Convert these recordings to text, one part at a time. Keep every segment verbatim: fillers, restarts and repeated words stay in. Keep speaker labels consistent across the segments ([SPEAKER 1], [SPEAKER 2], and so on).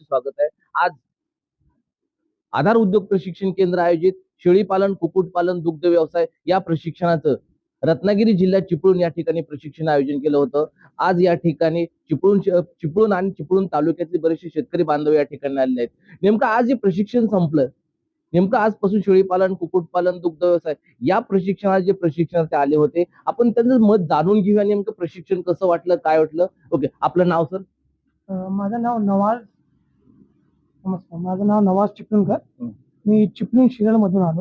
[SPEAKER 1] स्वागत आहे. आज आधार उद्योग प्रशिक्षण केंद्र आयोजित शेळीपालन, कुक्कुटपालन, दुग्ध व्यवसाय या प्रशिक्षणाचं रत्नागिरी जिल्ह्यात चिपळूण या ठिकाणी प्रशिक्षण आयोजन केलं होतं. आज या ठिकाणी चिपळूण चिपळूण आणि चिपळूण तालुक्यातले बरेचसे शेतकरी बांधव या ठिकाणी आलेले आहेत. नेमकं आज हे प्रशिक्षण संपलं, नेमकं आजपासून शेळीपालन, कुक्कुटपालन, दुग्ध व्यवसाय या प्रशिक्षणात जे प्रशिक्षणार्थी आले होते, आपण त्यांचं मत जाणून घेऊया. नेमकं प्रशिक्षण कसं वाटलं, काय वाटलं? ओके, आपलं नाव सर?
[SPEAKER 2] माझं नाव नवाज. नमस्कार, माझं नाव नवाज चिपळूणकर. मी चिपळूण शिरळ मधून आलो.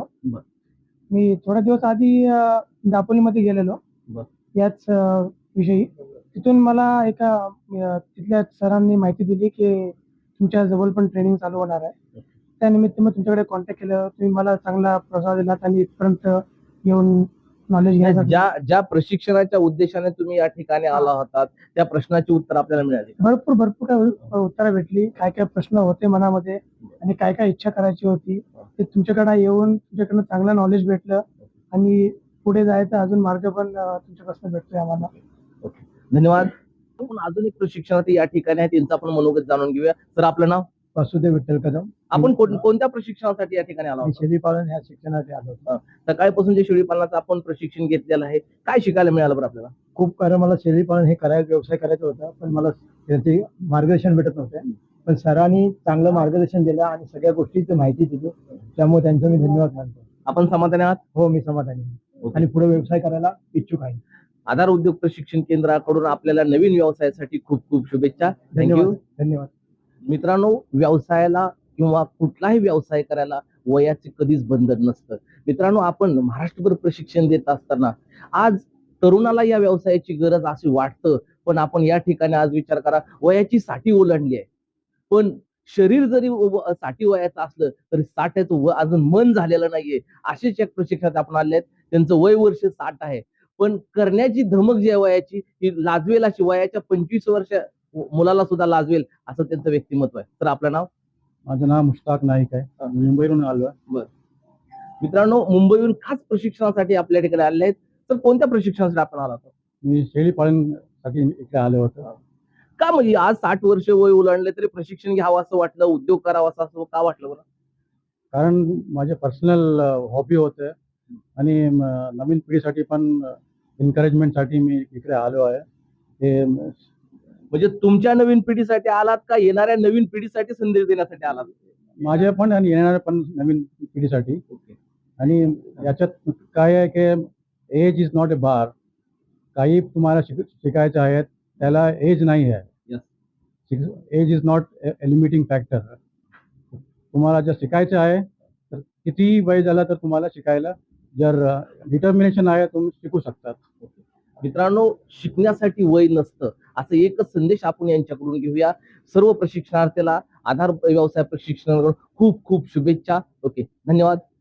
[SPEAKER 2] मी थोड्या दिवस आधी दापोलीमध्ये गेलेलो याच विषयी. तिथून मला एका तिथल्या सरांनी माहिती दिली की तुमच्या जवळ पण ट्रेनिंग चालू होणार आहे. त्यानिमित्त मी तुमच्याकडे कॉन्टॅक्ट केलं. तुम्ही मला चांगला प्रसाद दिलात आणि इथपर्यंत येऊन नॉलेज घ्यायचं.
[SPEAKER 1] ज्या ज्या प्रशिक्षणाच्या उद्देशाने तुम्ही या ठिकाणी आला होतात त्या प्रश्नाची उत्तर आपल्याला मिळाली?
[SPEAKER 2] भरपूर भरपूर काय उत्तरं भेटली. काय काय प्रश्न होते मनामध्ये आणि काय काय इच्छा करायची होती ते तुमच्याकडे येऊन तुमच्याकडनं चांगलं नॉलेज भेटलं आणि पुढे जायचं अजून मार्ग पण तुमच्यापासून भेटतोय आम्हाला.
[SPEAKER 1] ओके, धन्यवाद. आपण अजून एक प्रशिक्षणार्थी या ठिकाणी आहे, त्यांचं आपण मनोगत जाणून घेऊया. सर, आपलं नाव?
[SPEAKER 2] वासुदेव विठ्ठल कदम.
[SPEAKER 1] आपण कोणत्या प्रशिक्षणासाठी या ठिकाणी आला?
[SPEAKER 2] शेळीपालन ह्या शिक्षणासाठी आलो होतो.
[SPEAKER 1] सकाळपासून जे शेळीपालनाचं आपण प्रशिक्षण घेतलेलं आहे, काय शिकायला मिळालं बरं आपल्याला?
[SPEAKER 2] खूप कारण मला शेळीपालन हे करायचं, व्यवसाय करायचा होता, पण मला त्याचे मार्गदर्शन भेटत नव्हते. पण सरांनी चांगलं मार्गदर्शन दिलं आणि सगळ्या गोष्टीची माहिती दिली, त्यामुळे त्यांचा मी धन्यवाद मानतो.
[SPEAKER 1] आपण समाधानी आहात?
[SPEAKER 2] हो, मी समाधानी आहे आणि पुढे व्यवसाय करायला इच्छुक आहे.
[SPEAKER 1] आधार उद्योग प्रशिक्षण केंद्राकडून आपल्याला नवीन व्यवसायासाठी खूप खूप शुभेच्छा.
[SPEAKER 2] धन्यवाद. धन्यवाद
[SPEAKER 1] मित्रांनो, व्यवसायाला किंवा कुठलाही व्यवसाय करायला वयाचे कधीच बंधन नसतं. मित्रांनो, आपण महाराष्ट्रभर प्रशिक्षण देत असताना आज तरुणाला या व्यवसायाची गरज अशी वाटतं, पण आपण या ठिकाणी आज विचार करा, वयाची साठी ओलांडली आहे, पण शरीर जरी साठी वयाचं असलं तरी साठ्याचं व अजून मन झालेलं नाहीये. असेच एक प्रशिक्षणात आपण आले आहेत, त्यांचं वय वर्ष साठ आहे, पण करण्याची धमक जी वयाची ही लाजवेल अशी, वयाच्या पंचवीस वर्ष मुलाला सुद्धा लाजवेल असं त्यांचं व्यक्तिमत्व आहे. तर आपलं नाव?
[SPEAKER 2] माझं नाव मुश्ताक नाईक आहे. मुंबईवरून आलो आहे.
[SPEAKER 1] बर, मित्रांनो, मुंबईहून खास प्रशिक्षणासाठी आपल्या ठिकाणी आले आहेत. तर कोणत्या प्रशिक्षणासाठी आपण आला होता?
[SPEAKER 2] मी शेळीपालनसाठी इकडे आलो होतो.
[SPEAKER 1] का म्हणजे आज साठ वर्ष वय ओलांडले तरी प्रशिक्षण घ्यावं असं वाटलं, उद्योग करावा असं का वाटलं बरं?
[SPEAKER 2] कारण माझे पर्सनल हॉबी होते आणि नवीन पिढीसाठी पण एन्करेजमेंटसाठी मी इकडे आलो आहे. हे
[SPEAKER 1] म्हणजे तुमच्या नवीन पिढीसाठी आलात का येणाऱ्या नवीन पिढीसाठी संदेश देण्यासाठी आलात?
[SPEAKER 2] माझ्या पण आणि येणाऱ्या पण नवीन पिढीसाठी. आणि याच्यात काय आहे की age is not a bar. काही तुम्हाला शिक शिकायचं आहे त्याला एज नाही आहे. Age is not a limiting factor. तुम्हाला जर शिकायचं आहे तर किती वय झालं तर तुम्हाला शिकायला, जर डिटर्मिनेशन आहे तुम्ही शिकू शकतात.
[SPEAKER 1] मित्रांनो, शिकण्यासाठी वय नसतं असं एकच संदेश आपण यांच्याकडून घेऊया. सर्व प्रशिक्षणार्थीला आधार व्यवसाय प्रशिक्षणाकडून खूप खूप शुभेच्छा. ओके, धन्यवाद.